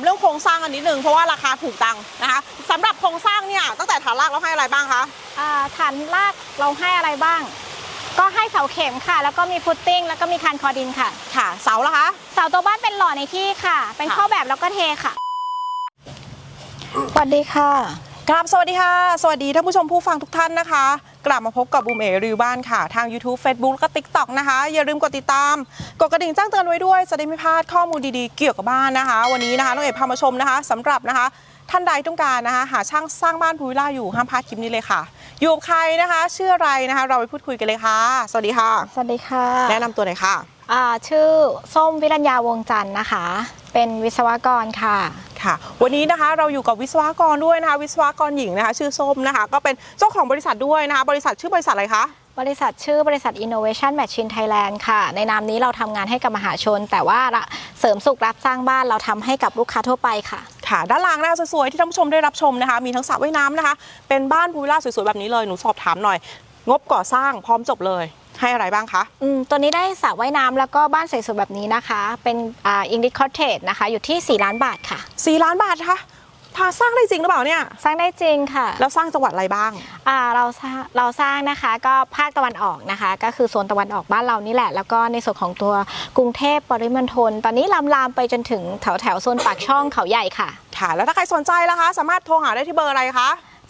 เรื่องโครงสร้างกันนิดนึงเพราะว่าราคาถูกตังนะคะสำหรับโครงสร้างเนี่ยตั้งแต่ฐานรากเราให้อะไรบ้างคะฐานรากเราให้อะไรบ้างก็ให้เสาเข็มค่ะแล้วก็มีฟุตติ้งแล้วก็มีคานคอดินค่ะค่ะเสาละคะเสาตัวบ้านเป็นหล่อในที่ค่ะเป็นข้อแบบแล้วก็เทค่ะสวัสดีค่ะครับสวัสดีค่ะสวัสดีท่านผู้ชมผู้ฟังทุกท่านนะคะกลับมาพบกับบูมเอรีวิวบ้านค่ะทาง YouTube Facebook และก็ TikTok นะคะอย่าลืมกดติดตามกดกระดิ่งแจ้งเตือนไว้ด้วยจะได้ไม่พลาดข้อมูลดีๆเกี่ยวกับบ้านนะคะวันนี้นะคะน้องเอ๋พามาชมนะคะสำหรับนะคะท่านใดต้องการนะคะหาช่างสร้างบ้านพูวิลล่าอยู่ห้ามพลาดคลิปนี้เลยค่ะอยู่กับใครนะคะชื่ออะไรนะคะเราไปพูดคุยกันเลยค่ะสวัสดีค่ะสวัสดีค่ะแนะนำตัวหน่อยค่ะชื่อส้มวิรัญญาวงจันทร์นะคะเป็นวิศวกรค่ะค่ะวันนี้นะคะเราอยู่กับวิศวกรด้วยนะคะวิศวกรหญิงนะคะชื่อส้มนะคะก็เป็นเจ้าของบริษัทด้วยนะคะบริษัทชื่อบริษัทอะไรคะบริษัทชื่อบริษัท Innovation Machine Thailand ค่ะในนามนี้เราทำงานให้กับมหาชนแต่ว่าเสริมสุขรับสร้างบ้านเราทำให้กับลูกค้าทั่วไปค่ะค่ะด้านล่างนะคะสวยๆที่ท่านผู้ชมได้รับชมนะคะมีทั้งสระว่ายน้ำนะคะเป็นบ้านพูวิลล่าสวยๆแบบนี้เลยหนูสอบถามหน่อยงบก่อสร้างพร้อมจบเลยให้อะไรบ้างคะตัวนี้ได้สระว่ายน้ำแล้วก็บ้านสวยๆแบบนี้นะคะเป็นEnglish Cottage นะคะอยู่ที่4 ล้านบาทค่ะ 4 ล้านบาทคะพาสร้างได้จริงหรือเปล่าเนี่ยสร้างได้จริงค่ะแล้วสร้างจังหวัดอะไรบ้างเราสร้างนะคะก็ภาคตะวันออกนะคะก็คือโซนตะวันออกบ้านเรานี่แหละแล้วก็ในส่วนของตัวกรุงเทพปริมณฑลตอนนี้ลามไปจนถึงแถวโซนปากช่องเขาใหญ่ค่ะค่ะแล้วถ้าใครสนใจล่ะคะสามารถโทรหาได้ที่เบอร์อะไรคะ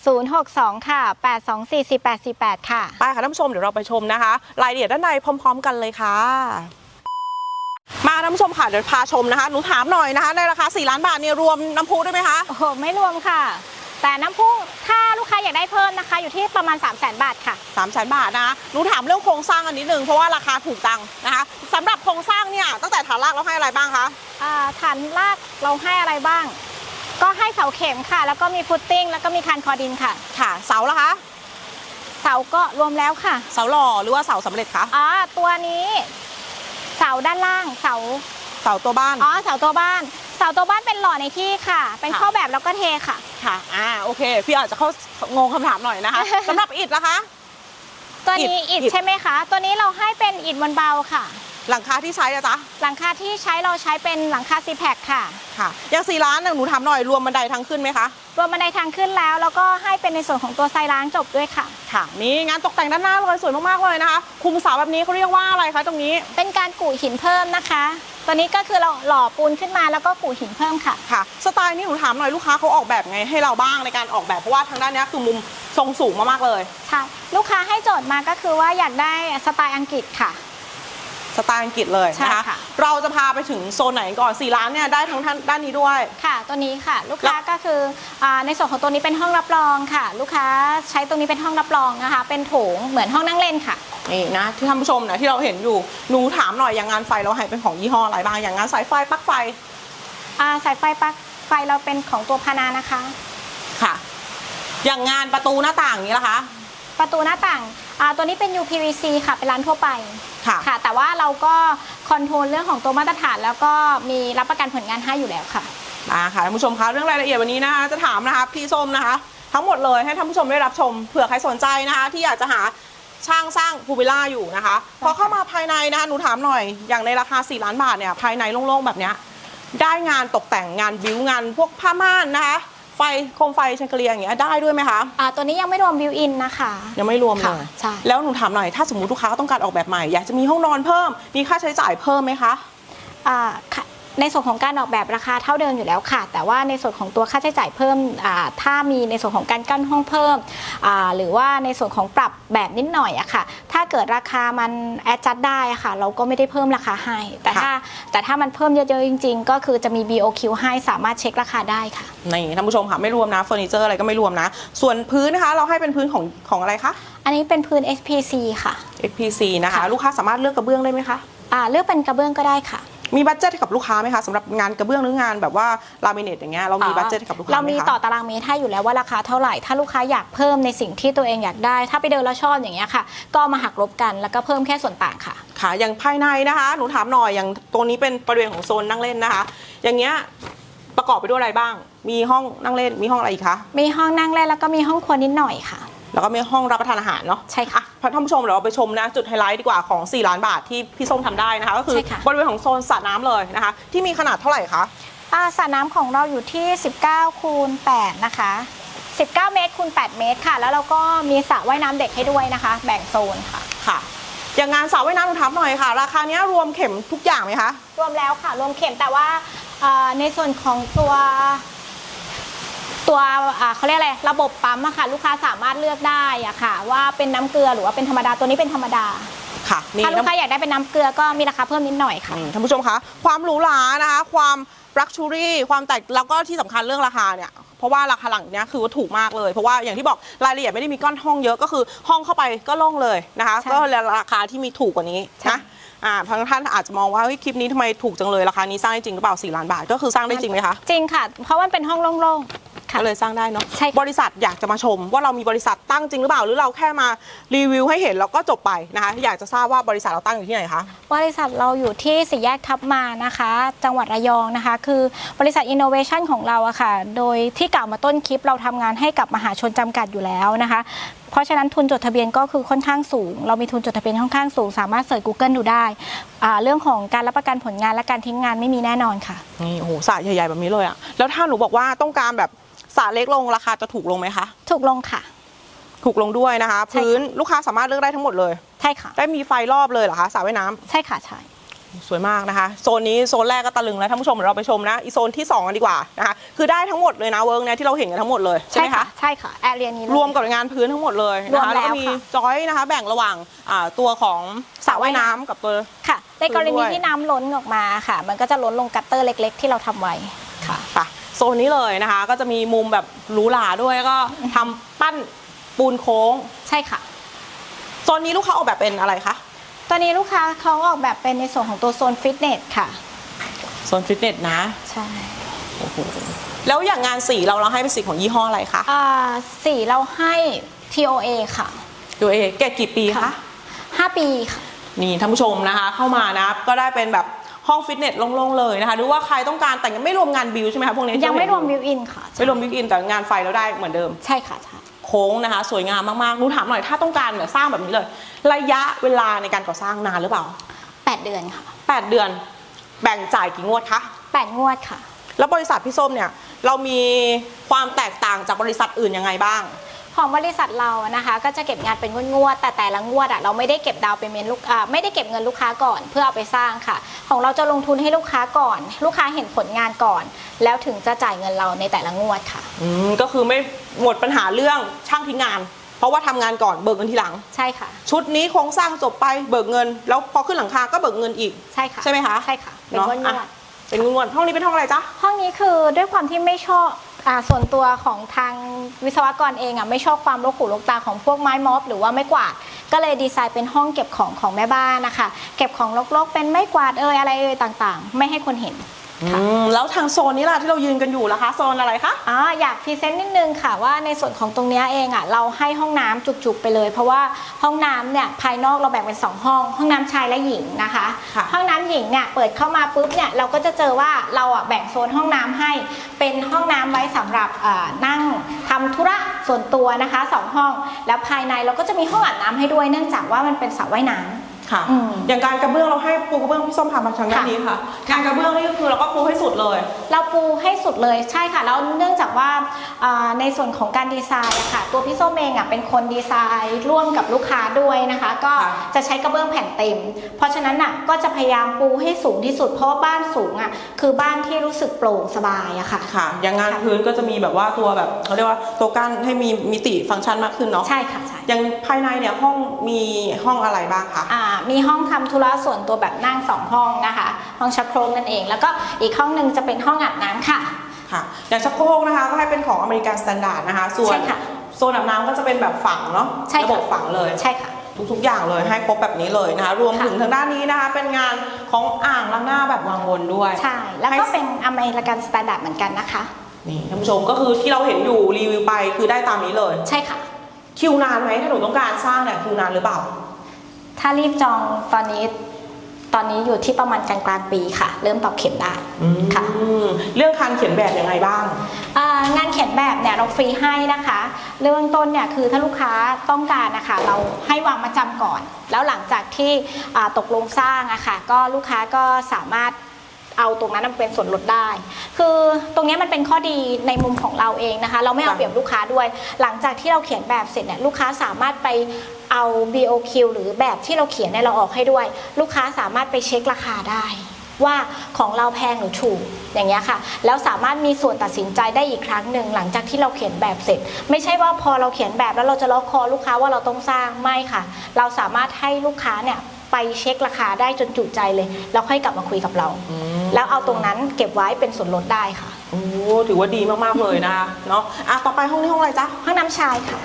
062ค่ะ8244848ค่ะไปค่ะท่านผู้ชมเดี๋ยวเราไปชมนะคะรายละเอียดด้านในพร้อมๆกันเลยค่ะมาท่านผู้ชมค่ะเดี๋ยวพาชมนะคะหนูถามหน่อยนะคะในราคา4 ล้านบาทเนี่ยรวมน้ำพุด้วยไหมคะโอ้โหไม่รวมค่ะแต่น้ำพุถ้าลูกค้าอยากได้เพิ่มนะคะอยู่ที่ประมาณ300,000 บาทค่ะ 300,000 บาทนะคะหนูถามเรื่องโครงสร้างกันนิดนึงเพราะว่าราคาถูกตังนะคะสำหรับโครงสร้างเนี่ยตั้งแต่ฐานรากเราให้อะไรบ้างคะฐานรากเราให้อะไรบ้างก็ให้เสาเข็มค่ะแล้วก็มีฟุตติ้งแล้วก็มีคานคอดินค่ะค่ะเสาละคะเสาก็รวมแล้วค่ะเสาหล่อหรือว่าเสาสำเร็จคะตัวนี้เสาด้านล่างเสาตัวบ้านเสาตัวบ้านเป็นหล่อในที่ค่ะเป็นข้อแบบแล้วก็เทค่ะค่ะโอเคพี่อาจจะเข้างงคำถามหน่อยนะคะสำหรับอิฐล่ะคะตัวนี้อิฐใช่ไหมคะตัวนี้เราให้เป็นอิฐมวลเบาค่ะหลังคาที่ใช้อะจ๊ะหลังคาที่ใช้เราใช้เป็นหลังคาซีแพคค่ะอย่าง4 ล้านหนูถามหน่อยรวมบันไดทางขึ้นไหมคะรวมบันไดทางขึ้นแล้วก็ให้เป็นในส่วนของตัวไซล้างจบด้วยค่ะค่ะนี่งานตกแต่งด้านหน้าเลยสวยมากๆเลยนะคะคุมเสาแบบนี้เขาเรียกว่าอะไรคะตรงนี้เป็นการกู่หินเพิ่มนะคะตัวนี้ก็คือเราหล่อปูนขึ้นมาแล้วก็กู่หินเพิ่มค่ะสไตล์นี้หนูถามหน่อยลูกค้าเขาออกแบบไงให้เราบ้างในการออกแบบเพราะว่าทางด้านนี้คือมุมทรงสูงมากๆเลยใช่ลูกค้าให้โจทย์มาก็คือว่าอยากได้สไตล์อังกฤษค่ะสไตล์อังกฤษเลยนะคะเราจะพาไปถึงโซนไหนก่อน4 ล้านเนี่ยได้ทั้งด้านนี้ด้วยค่ะตัวนี้ค่ะลูกค้าก็คือในส่วนของตัวนี้เป็นห้องรับรองค่ะลูกค้าใช้ตรงนี้เป็นห้องรับรองนะคะเป็นโถงเหมือนห้องนั่งเล่นค่ะนี่นะที่ท่านผู้ชมนะที่เราเห็นอยู่หนูถามหน่อยอย่างงานไฟเราให้เป็นของยี่ห้ออะไรบ้างอย่างงานสายไฟปลั๊กไฟสายไฟปลั๊กไฟเราเป็นของตัวพานานะคะค่ะอย่างงานประตูหน้าต่างนี้ล่ะคะประตูหน้าต่างตัวนี้เป็น UPVC ค่ะเป็นร้านทั่วไปค่ะแต่ว่าเราก็คอนโทรลเรื่องของตัวมาตรฐานแล้วก็มีรับประกันผลงานให้อยู่แล้วค่ะค่ะท่านผู้ชมคะเรื่องรายละเอียดวันนี้นะคะจะถามนะคะพี่ส้มนะคะทั้งหมดเลยให้ท่านผู้ชมได้รับชมเผื่อใครสนใจนะคะที่อยากจะหาช่างสร้างพูวิลล่าอยู่นะคะพอเข้ามาภายในนะคะหนูถามหน่อยอย่างในราคา4 ล้านบาทเนี่ยภายในโล่งๆแบบนี้ได้งานตกแต่งงานบิวงานพวกผ้าม่านนะคะไฟโคมไฟแชงเกลียอย่างเงี้ยได้ด้วยไหมคะตัวนี้ยังไม่รวมบิวอินนะคะยังไม่รวมเลยใช่แล้วหนูถามหน่อยถ้าสมมติลูกค้าต้องการออกแบบใหม่อยากจะมีห้องนอนเพิ่มมีค่าใช้จ่ายเพิ่มไหมคะในส่วนของการออกแบบราคาเท่าเดิมอยู่แล้วค่ะแต่ว่าในส่วนของตัวค่าใช้จ่ายเพิ่มถ้ามีในส่วนของการกั้นห้องเพิ่มหรือว่าในส่วนของปรับแบบนิดหน่อยอะค่ะถ้าเกิดราคามันแอดจัดได้อะค่ะเราก็ไม่ได้เพิ่มราคาให้แต่ถ้ามันเพิ่มเยอะๆจริงๆก็คือจะมี BOQ ให้สามารถเช็คราคาได้ค่ะนี่ท่านผู้ชมค่ะไม่รวมนะเฟอร์นิเจอร์อะไรก็ไม่รวมนะส่วนพื้นนะคะเราให้เป็นพื้นของอะไรคะอันนี้เป็นพื้น SPC ค่ะ SPC นะคะลูกค้าสามารถเลือกกระเบื้องได้ไหมคะเลือกเป็นกระเบื้องก็ได้ค่ะมีบัดเจ็ตกับลูกค้าไหมคะสำหรับงานกระเบื้องหรืองานแบบว่าลามิเนตอย่างเงี้ยเรามีบัดเจ็ตกับลูกค้าไหมคะเรามีต่อตารางเมตรให้อยู่แล้วว่าราคาเท่าไหร่ถ้าลูกค้าอยากเพิ่มในสิ่งที่ตัวเองอยากได้ถ้าไปเดินแล้วชอบอย่างเงี้ยค่ะก็มาหักลบกันแล้วก็เพิ่มแค่ส่วนต่างค่ะค่ะอย่างภายในนะคะหนูถามหน่อยอย่างตรงนี้เป็นบริเวณของโซนนั่งเล่นนะคะอย่างเงี้ยประกอบไปด้วยอะไรบ้างมีห้องนั่งเล่นมีห้องอะไรอีกคะมีห้องนั่งเล่นแล้วก็มีห้องครัวนิดหน่อยค่ะแล้วก็มีห้องรับประทานอาหารเนาะใช่ค่ะท่านผู้ชมเดี๋ยวเราไปชมนะจุดไฮไลท์ดีกว่าของ4 ล้านบาทที่พี่ส้มทำได้นะคะก็คือบริเวณของโซนสระน้ำเลยนะคะที่มีขนาดเท่าไหร่คะสระน้ำของเราอยู่ที่19คูณ8นะคะ19 เมตรคูณ8 เมตรค่ะแล้วเราก็มีสระว่ายน้ำเด็กให้ด้วยนะคะ แบ่งโซนค่ะค่ะอย่างงานสระว่ายน้ำหนูถามหน่อยค่ะราคานี้รวมเข็มทุกอย่างไหมคะรวมแล้วค่ะรวมเข็มแต่ว่าในส่วนของตัวเขาเรียกอะไรระบบปั๊มอะค่ะลูกค้าสามารถเลือกได้อะค่ะว่าเป็นน้ำเกลือหรือว่าเป็นธรรมดาตัวนี้เป็นธรรมดาค่ะถ้าลูกค้าอยากได้เป็นน้ำเกลือก็มีราคาเพิ่มนิดหน่อยค่ะท่านผู้ชมคะความหรูหรานะคะความลักชูรี่ความแตกแล้วก็ที่สำคัญเรื่องราคาเนี่ยเพราะว่าราคาหลังเนี้ยคือว่าถูกมากเลยเพราะว่าอย่างที่บอกรายละเอียดไม่ได้มีก้อนห้องเยอะก็คือห้องเข้าไปก็โล่งเลยนะคะก็ราคาที่มีถูกกว่านี้นะบางท่านอาจจะมองว่าคลิปนี้ทำไมถูกจังเลยราคานี้สร้างได้จริงหรือเปล่า4 ล้านบาทก็คือสร้างได้จริงไหมคะจริงค่ะเพราะว่าเป็นห้องโล่งๆก็เลยสร้างได้เนาะใช่บริษัทอยากจะมาชมว่าเรามีบริษัทตั้งจริงหรือเปล่าหรือเราแค่มารีวิวให้เห็นแล้วก็จบไปนะคะอยากจะทราบว่าบริษัทเราตั้งอยู่ที่ไหนคะบริษัทเราอยู่ที่สี่แยกทับมานะคะจังหวัดระยองนะคะคือบริษัท Innovation ของเราอะค่ะโดยที่กล่าวมาต้นคลิปเราทำงานให้กับมหาชนจำกัดอยู่แล้วนะคะเพราะฉะนั้นทุนจดทะเบียนก็คือค่อนข้างสูงเรามีทุนจดทะเบียนค่อนข้างสูงสามารถเสิร์ช Google ดูได้เรื่องของการรับประกันผลงานและการทิ้งงานไม่มีแน่นอนค่ะนี่โอ้โหสระใหญ่ๆแบบนี้เลยอะแล้วถ้าหนูบอกว่าต้องการแบบสระเล็กลงราคาจะถูกลงไหมคะถูกลงค่ะถูกลงด้วยนะคะพื้นลูกค้าสามารถเลือกได้ทั้งหมดเลยใช่ค่ะได้มีไฟรอบเลยเหรอคะสระว่ายน้ำใช่ค่ะใช่สวยมากนะคะโซนนี้โซนแรกก็ตะลึงแล้วท่านผู้ชมเดี๋ยวเราไปชมนะอีโซนที่2กันดีกว่านะคะคือได้ทั้งหมดเลยนะเวิร์กเนี่ยที่เราเห็นกันทั้งหมดเลยใช่ไหมคะใช่ค่ะแอเรียนี้รวมกับงานพื้นทั้งหมดเลยนะคะแล้วก็มีจอยนะคะแบ่งระหว่างตัวของสระว่ายน้ำกับตัวค่ะในกรณีที่น้ำล้นออกมาค่ะมันก็จะล้นลงกัตเตอร์เล็กๆที่เราทำไว้ค่ะโซนนี้เลยนะคะก็จะมีมุมแบบหรูหราด้วยแล้วก็ทำปั้นปูนโค้งใช่ค่ะโซนนี้ลูกค้าออกแบบเป็นอะไรคะตอนนี้ลูกค้าเขาออกแบบเป็นในส่วนของตัวโซนฟิตเนสค่ะโซนฟิตเนสนะใช่โอ้โหแล้วอย่างงานสีเราให้เป็นสีของยี่ห้ออะไรคะสีเราให้ TOA ค่ะ TOA แก่กี่ปีคะ 5 ปีค่ะนี่ท่านผู้ชมนะคะเข้ามานะก็ได้เป็นแบบห้องฟิตเนสโล่งๆเลยนะคะหรือว่าใครต้องการแต่ยังไม่รวมงานบิวใช่ไหมคะพวกนี้ยังไม่รวมบิวอินค่ะไม่รวมบิวอินแต่งานไฟเราได้เหมือนเดิมใช่ค่ะใช่โค้งนะคะสวยงามมากๆหนูถามหน่อยถ้าต้องการแบบสร้างแบบนี้เลยระยะเวลาในการก่อสร้างนานหรือเปล่า 8 เดือนค่ะ 8 เดือนแบ่งจ่ายกี่งวดคะ 8 งวดค่ะแล้วบริษัทพี่ส้มเนี่ยเรามีความแตกต่างจากบริษัทอื่นยังไงบ้างของบริษัทเรานะคะก็จะเก็บงานเป็นงวดแต่ละงวดเราไม่ได้เก็บดาวเป็นเมนไม่ได้เก็บเงินลูกค้าก่อนเพื่อเอาไปสร้างค่ะของเราจะลงทุนให้ลูกค้าก่อนลูกค้าเห็นผลงานก่อนแล้วถึงจะจ่ายเงินเราในแต่ละงวดค่ะก็คือไม่หมดปัญหาเรื่องช่างทิ้งงานเพราะว่าทำงานก่อนเบิกเงินทีหลังใช่ค่ะชุดนี้โครงสร้างจบไปเบิกเงินแล้วพอขึ้นหลังคาก็เบิกเงินอีกใช่ค่ะใช่ไหมคะใช่ค่ะเป็นงวดเป็นงวดห้องนี้เป็นห้องอะไรจ๊ะห้องนี้คือด้วยความที่ไม่ชอบส่วนตัวของทางวิศวกรเองไม่ชอบความรกหูรกตาของพวกไม้ม็อบหรือว่าไม้กวาดก็เลยดีไซน์เป็นห้องเก็บของแม่บ้านนะคะเก็บของรกๆเป็นไม้กวาดอะไรต่างๆไม่ให้คนเห็นแล้วทางโซนนี้ล่ะที่เรายืนกันอยู่ล่ะคะโซนอะไรคะอยากพรีเซนต์นิดนึงค่ะว่าในส่วนของตรงนี้เองเราให้ห้องน้ำจุกๆไปเลยเพราะว่าห้องน้ำเนี่ยภายนอกเราแบ่งเป็น2ห้องน้ำชายและหญิงนะคะห้องน้ำหญิงเนี่ยเปิดเข้ามาปุ๊บเนี่ยเราก็จะเจอว่าเราแบ่งโซนห้องน้ำให้เป็นห้องน้ำไว้สำหรับนั่งทำธุระส่วนตัวนะคะ2 ห้องแล้วภายในเราก็จะมีห้องอาบน้ำให้ด้วยเนื่องจากว่ามันเป็นสระว่ายน้ำค่ะอย่างการกระเบื้องเราให้ปูกระเบื้องพี่ส้มพามาทางด้านนี้ค่ะการกระเบื้องนี่ก็คือเราก็ปูให้สุดเลยเราปูให้สุดเลยใช่ค่ะแล้วเนื่องจากว่าในส่วนของการดีไซน์ค่ะตัวพี่ส้มเองเป็นคนดีไซน์ร่วมกับลูกค้าด้วยนะคะก็จะใช้กระเบื้องแผ่นเต็มเพราะฉะนั้นก็จะพยายามปูให้สูงที่สุดเพราะว่าบ้านสูงคือบ้านที่รู้สึกโปร่งสบายค่ะอย่างงานพื้นก็จะมีแบบว่าตัวแบบเขาเรียกว่าตัวกั้นให้มีมิติฟังก์ชันมากขึ้นเนาะใช่ค่ะใช่อย่างภายในเนี่ยห้องมีห้องอะไรบ้างคะมีห้องทำธุระส่วนตัวแบบนั่ง2 ห้องนะคะห้องชักโครกนั่นเองแล้วก็อีกห้องหนึ่งจะเป็นห้องอาบน้ำค่ะอย่างชักโครกนะคะก็ให้เป็นของอเมริกันสแตนดาร์ดนะคะส่วนโซนอาบน้ำก็จะเป็นแบบฝังเนาะระบบฝังเลยใช่ค่ะทุกอย่างเลยให้ครบแบบนี้เลยนะคะรวมถึงทางด้านนี้นะคะเป็นงานของอ่างล้างหน้าแบบวางบนด้วยใช่แล้วก็เป็นอเมริกันสแตนดาร์ดเหมือนกันนะคะนี่ท่านผู้ชมก็คือที่เราเห็นอยู่รีวิวไปคือได้ตามนี้เลยใช่ค่ะคิวนานไหมถ้าหนูต้องการสร้างเนี่ยคิวนานหรือเปล่าถ้ารีบจองตอนนี้อยู่ที่ประมาณกลางปีค่ะเริ่มตอกเข็มได้ค่ะเรื่องการเขียนแบบยังไงบ้างงานเขียนแบบเนี่ยเราฟรีให้นะคะเรื่องต้นเนี่ยคือถ้าลูกค้าต้องการนะคะเราให้วางมาจำก่อนแล้วหลังจากที่ตกลงสร้างก็ลูกค้าก็สามารถเอาตรงนั้นเป็นส่วนลดได้คือตรงนี้มันเป็นข้อดีในมุมของเราเองนะคะเราไม่เอาเปรียบลูกค้าด้วยหลังจากที่เราเขียนแบบเสร็จเนี่ยลูกค้าสามารถไปเอา BOQ หรือแบบที่เราเขียนเนี่ยเราออกให้ด้วยลูกค้าสามารถไปเช็คราคาได้ว่าของเราแพงหรือถูกอย่างเงี้ยค่ะแล้วสามารถมีส่วนตัดสินใจได้อีกครั้งหนึ่งหลังจากที่เราเขียนแบบเสร็จไม่ใช่ว่าพอเราเขียนแบบแล้วเราจะล็อกคอลูกค้าว่าเราต้องสร้างไม่ค่ะเราสามารถให้ลูกค้าเนี่ยไปเช็คราคาได้จนจุใจเลยแล้วค่อยกลับมาคุยกับเราแล้วเอาตรงนั้นเก็บไว้เป็นส่วนลดได้ค่ะโอ้ถือว่าดีมากๆเลยนะคะเนาะต่อไปห้องนี้ห้องอะไรจ๊ะห้องน้ำชายค่ะ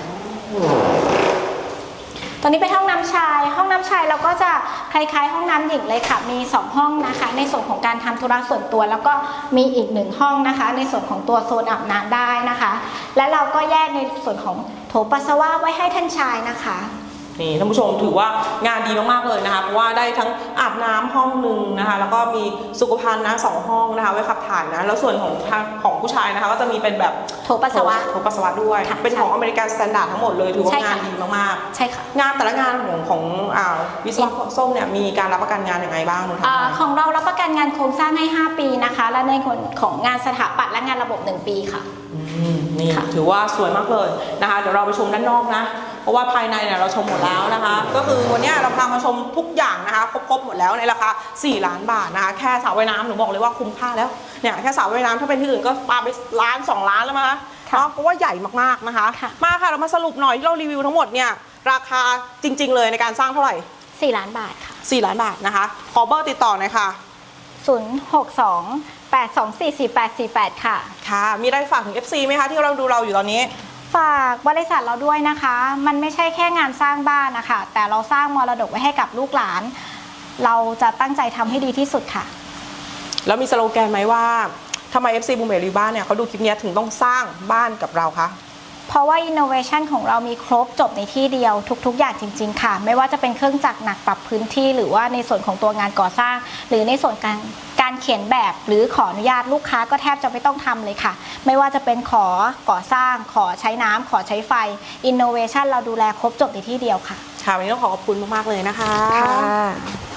ตอนนี้เป็นห้องน้ำชายเราก็จะคล้ายๆห้องน้ำหญิงเลยค่ะมี2ห้องนะคะในส่วนของการทำธุระส่วนตัวแล้วก็มีอีก1ห้องนะคะในส่วนของตัวโซนอาบน้ำได้นะคะและเราก็แยกในส่วนของโถปัสสาวะไว้ให้ท่านชายนะคะนี่ท่านผู้ชมถือว่างานดีมากๆเลยนะคะเพราะว่าได้ทั้งอาบน้ำห้องหนึ่งนะคะแล้วก็มีสุขภัณฑ์นะ2ห้องนะคะไว้ขับถ่ายนะแล้วส่วนของผู้ชายนะคะก็จะมีเป็นแบบโถปัสสาวะด้วยเป็นของอเมริกันสแตนดาร์ดทั้งหมดเลยถือว่างานดีมากๆใช่ค่ะงานแต่ละงานของวิศวะส้มเนี่ยมีการรับประกันงานยังไงบ้างของเรารับประกันงานโครงสร้างให้5 ปีนะคะและในของงานสถาปัตย์และงานระบบ1 ปีค่ะนี่ถือว่าสวยมากเลยนะคะเดี๋ยวเราไปชมด้านนอกนะเพราะว่าภายในเนี่ยเราชมหมดแล้วนะคะก็คือวันนี้เราพามาชมทุกอย่างนะคะครบหมดแล้วในราคา4 ล้านบาทนะคะแค่สระว่ายน้ำหนูบอกเลยว่าคุ้มค่าแล้วเนี่ยแค่สระว่ายน้ำถ้าเป็นที่อื่นก็ปาไป1 ล้าน 2 ล้านแล้วมั้งคะเพราะว่าใหญ่มากๆนะคะมาค่ะเรามาสรุปหน่อยที่เรารีวิวทั้งหมดเนี่ยราคาจริงๆเลยในการสร้างเท่าไหร่ 4 ล้านบาทค่ะ 4 ล้านบาทนะคะขอเบอร์ติดต่อหน่อยค่ะ 062-824-4848ค่ะค่ะมีอะไรฝากถึง FC ไหมคะที่เราดูเราอยู่ตอนนี้ฝากบริษัทเราด้วยนะคะมันไม่ใช่แค่งานสร้างบ้านนะคะแต่เราสร้างมรดกไว้ให้กับลูกหลานเราจะตั้งใจทำให้ดีที่สุดค่ะแล้วมีสโลแกนไหมว่าทำไม FC บูมเมรีบ้านเนี่ยเขาดูคลิปนี้ถึงต้องสร้างบ้านกับเราคะเพราะว่า innovation ของเรามีครบจบในที่เดียวทุกๆอย่างจริงๆค่ะไม่ว่าจะเป็นเครื่องจักรหนักปรับพื้นที่หรือว่าในส่วนของตัวงานก่อสร้างหรือในส่วนการเขียนแบบหรือขออนุญาตลูกค้าก็แทบจะไม่ต้องทำเลยค่ะไม่ว่าจะเป็นขอก่อสร้างขอใช้น้ำขอใช้ไฟ innovation เราดูแลครบจบในที่เดียวค่ะค่ะวันนี้ต้องขอบคุณมากๆเลยนะคะค่ะ